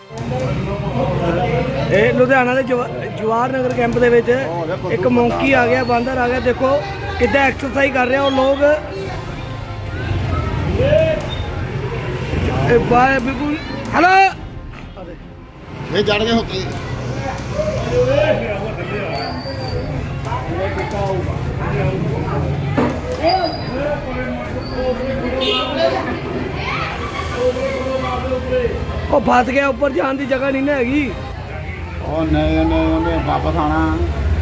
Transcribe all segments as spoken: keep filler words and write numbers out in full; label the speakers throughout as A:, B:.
A: ਇਹ ਲੁਧਿਆਣਾ ਦੇ ਜਵਾ- ਜਵਾਹਰ ਨਗਰ ਕੈਂਪ ਦੇ ਵਿੱਚ ਇੱਕ ਮੌਂਕੀ ਆ ਗਿਆ, ਬਾਂਦਰ ਆ ਗਿਆ। ਦੇਖੋ ਕਿੱਦਾਂ ਐਕਸਰਸਾਈਜ਼ ਕਰ ਰਿਹਾ ਉਹ ਲੋਕ। ਇਹ ਬਾਏ ਬਿਲਕੁਲ ਹੈਲੋ
B: ਇਹ ਜੜ ਗਏ ਹੋਤੀ
A: ਉਹ ਫਸ ਗਿਆ, ਉੱਪਰ ਜਾਣ ਦੀ ਜਗ੍ਹਾ ਨਹੀਂ ਨਾ ਹੈਗੀ।
B: ਉਹ ਨਹੀਂ ਨਹੀਂ ਉਹਨੇ ਵਾਪਸ ਆਣਾ।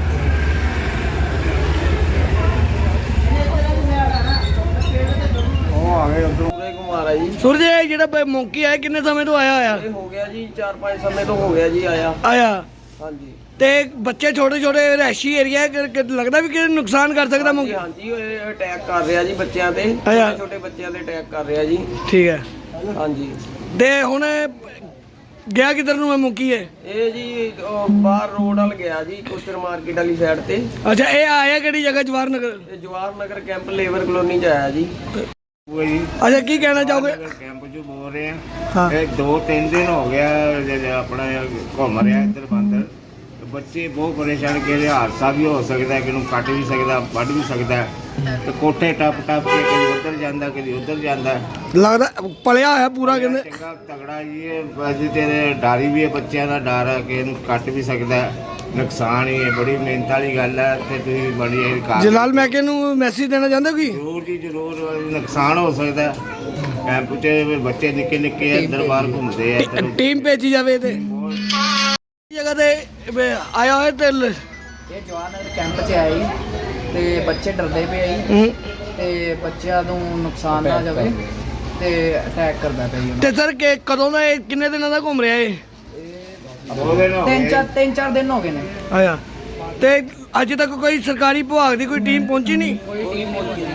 B: ਉਹ ਆ ਗਏ ਉਧਰੋਂ
C: ਕੁਮਾਰ ਹੈ ਜੀ।
A: ਸੂਰਜ ਇਹ ਜਿਹੜਾ ਮੌਂਕੀ ਆਇਆ ਕਿੰਨੇ ਸਮੇਂ ਤੋਂ ਆਇਆ ਹੋਇਆ?
C: ਇਹ ਹੋ ਗਿਆ ਜੀ ਚਾਰ ਪੰਜ ਸਮੇਂ ਤੋਂ ਹੋ ਗਿਆ ਜੀ ਆਇਆ।
A: ਆਇਆ
C: ਹਾਂਜੀ
A: ਤੇ ਬੱਚੇ ਛੋਟੇ ਛੋਟੇ ਰਹਿਸ਼ੀ ਏਰੀਆ ਲੱਗਦਾ ਵੀ ਕਿ ਨੁਕਸਾਨ ਕਰ ਸਕਦਾ ਮੌਂਕੀ?
C: ਹਾਂਜੀ ਇਹ ਅਟੈਕ ਕਰ ਰਿਹਾ ਜੀ ਬੱਚਿਆਂ ਤੇ,
A: ਆਇਆ।
C: ਛੋਟੇ ਛੋਟੇ ਬੱਚਿਆਂ ਤੇ ਅਟੈਕ ਕਰ ਰਿਹਾ ਜੀ।
A: ਠੀਕ ਹੈ।
C: ਹਾਂਜੀ
A: ਤੇ ਹੁਣ ਗਿਆ ਕਿੱਧਰ ਨੂੰ ਇਹ ਮੌਂਕੀ ਹੈ?
C: ਇਹ ਜੀ ਉਹ ਬਾਹਰ ਰੋਡ ਵੱਲ ਗਿਆ ਜੀ, ਕੋਚਰ ਮਾਰਕੀਟ ਵਾਲੀ ਸਾਈਡ ਤੇ।
A: ਅੱਛਾ ਇਹ ਆਇਆ ਕਿਹੜੀ ਜਗ੍ਹਾ? ਜਵਾਹਰ ਨਗਰ।
C: ਇਹ Jawahar Nagar camp labour colony ਚ ਆਇਆ ਜੀ।
A: ਅੱਛਾ ਕੀ ਕਹਿਣਾ ਚਾਹੋਗੇ?
D: ਕੈਂਪ ਚ ਬੋਲ ਰਹੇ
A: ਹਾਂ।
D: ਆ ਇਹ ਦੋ ਤਿੰਨ ਦਿਨ ਹੋ ਗਿਆ ਜੇ ਆਪਣਾ ਘੁੰਮ ਰਿਹਾ ਇੱਧਰ ਬੰਦਰ। ਬੱਚੇ ਬਹੁਤ ਪਰੇਸ਼ਾਨ ਕਿ ਇਹ ਹਾਦਸਾ ਵੀ ਹੋ ਸਕਦਾ, ਕਿ ਨੂੰ ਕੱਟ ਵੀ ਸਕਦਾ, ਵੱਢ ਵੀ ਸਕਦਾ। ਤੇ ਕੋਠੇ ਟੱਪ ਟੱਪ ਕੇ ਕਦੀ ਉੱਧਰ ਜਾਂਦਾ ਕਦੀ ਉੱਧਰ ਜਾਂਦਾ।
A: ਲੱਗਦਾ ਪਲਿਆ ਹੋਇਆ ਪੂਰਾ ਕਹਿੰਦੇ।
D: ਚੰਗਾ ਤਗੜਾ ਜੀ ਇਹ ਅੱਜ ਤੇਰੇ ਡਾਰੀ ਵੀ ਹੈ, ਬੱਚਿਆਂ ਦਾ ਡਰ ਹੈ ਕਿ ਇਹਨੂੰ ਕੱਟ ਵੀ ਸਕਦਾ। ਨੁਕਸਾਨ ਹੀ ਹੈ, ਬੜੀ ਮਿਹਨਤ ਵਾਲੀ ਗੱਲ ਹੈ। ਤੇ ਤੁਸੀਂ ਬੜੀ ਇਹ ਕਾਰ
A: ਜਲਾਲ ਮੈਕੇ ਨੂੰ ਮੈਸੇਜ ਦੇਣਾ ਚਾਹੁੰਦੇ ਹੋ? ਕੀ
D: ਜ਼ਰੂਰ ਜੀ ਜ਼ਰੂਰ ਨੁਕਸਾਨ ਹੋ ਸਕਦਾ। ਕੈਂਪ 'ਚ ਬੱਚੇ ਨਿੱਕੇ ਨਿੱਕੇ ਅੰਦਰ ਬਾਹਰ ਘੁੰਮਦੇ ਆ ਇੱਧਰ।
A: ਟੀਮ ਭੇਜੀ ਜਾਵੇ ਤੇ ਜਗ੍ਹਾ ਤੇ ਵੀ ਆਇਆ ਹੋਇਆ ਤੇ ਲ-
E: ਇਹ ਜਵਾਹਰ ਨਗਰ ਕੈਂਪ 'ਚ ਆਇਆ ਜੀ ਤੇ ਬੱਚੇ ਡਰਦੇ ਪਏ ਜੀ
A: ਹੂੰ।
E: ਤੇ ਬੱਚਿਆਂ ਨੂੰ ਨੁਕਸਾਨ ਨਾ ਜਾਵੇ ਤੇ ਅਟੈਕ ਕਰਦਾ ਪਿਆ ਜੀ ਉਹਨਾਂ
A: ਤੇ ਸਰ ਕਿ ਕਦੋਂ ਦਾ ਇਹ ਕਿੰਨੇ ਦਿਨਾਂ ਦਾ ਘੁੰਮ ਰਿਹਾ ਇਹ?
D: ਦੋ ਦਿਨ ਹੋ
E: ਤਿੰਨ
D: ਗਏ।
E: ਚਾਰ ਤਿੰਨ ਚਾਰ ਦਿਨ ਹੋ ਗਏ ਨੇ।
A: ਆਇਆ ਤੇ ਅੱਜ ਤੱਕ ਕੋਈ ਸਰਕਾਰੀ ਵਿਭਾਗ ਦੀ ਕੋਈ ਟੀਮ ਪਹੁੰਚੀ ਨਹੀਂ?
E: ਕੋਈ ਟੀਮ ਨਹੀਂ